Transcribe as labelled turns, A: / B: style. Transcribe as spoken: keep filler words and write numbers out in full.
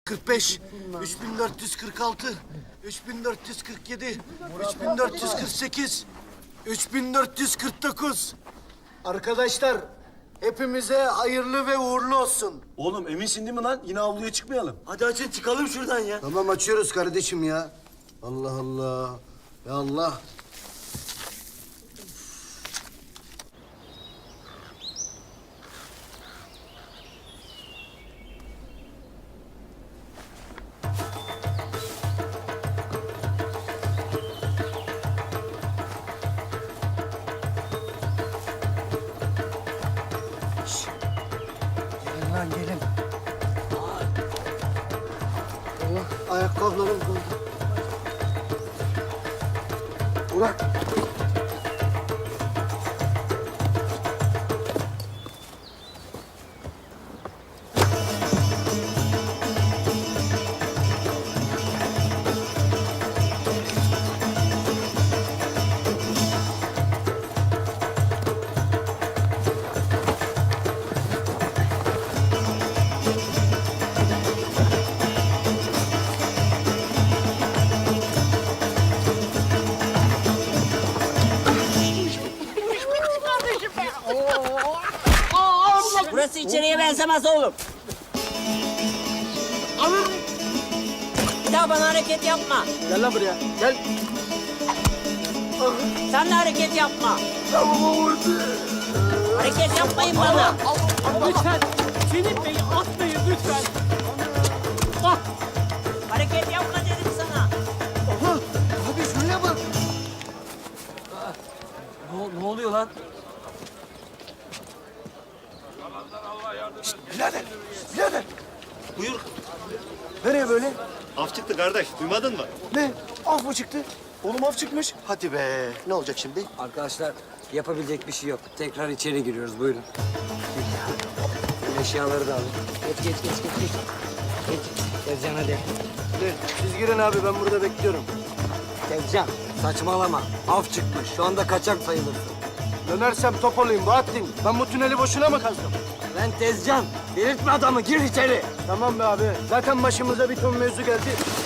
A: kırk beş, üç bin dört yüz kırk altı, üç bin dört yüz kırk yedi, üç bin dört yüz kırk sekiz, üç bin dört yüz kırk dokuz. Arkadaşlar, hepimize hayırlı ve uğurlu olsun.
B: Oğlum eminsin değil mi lan? Yine avluya çıkmayalım.
C: Hadi açın çıkalım şuradan ya.
A: Tamam açıyoruz kardeşim ya. Allah Allah. Ya Allah. Gelin lan gelin. Allah ayakkabılarım doldu. Burak.
D: Burası içeriye benzemez oğlum.
A: Alın.
D: Bir daha bana hareket yapma.
A: Gel lan buraya. Gel.
D: Sen de hareket yapma.
A: Tamam oldu.
D: Hareket yapmayın bana.
E: Lütfen Selim Bey'i atmayın lütfen. Ah,
D: Hareket yapma dedim sana.
A: Aha. Abi şuraya bak.
C: Ne, ne oluyor lan?
A: Birader. Birader.
C: Buyur.
A: Nereye böyle?
B: Af çıktı kardeş. Duymadın mı?
A: Ne? Af mı çıktı?
B: Oğlum af çıkmış.
A: Hadi be. Ne olacak şimdi?
C: Arkadaşlar yapabilecek bir şey yok. Tekrar içeri giriyoruz buyurun. Eşyaları da alın. Geç geç geç geç geç. Geç. Tezcan hadi.
A: Ne? Siz girin abi ben burada bekliyorum.
C: Tezcan saçmalama. Af çıkmış. Şu anda kaçak sayılırsın.
A: Dönersem top olayım Bahattin. Ben bu tüneli boşuna mı kazdım?
C: Ben Tezcan. Delirtme adamı. Gir içeri.
A: Tamam be abi. Zaten başımıza bir ton mevzu geldi.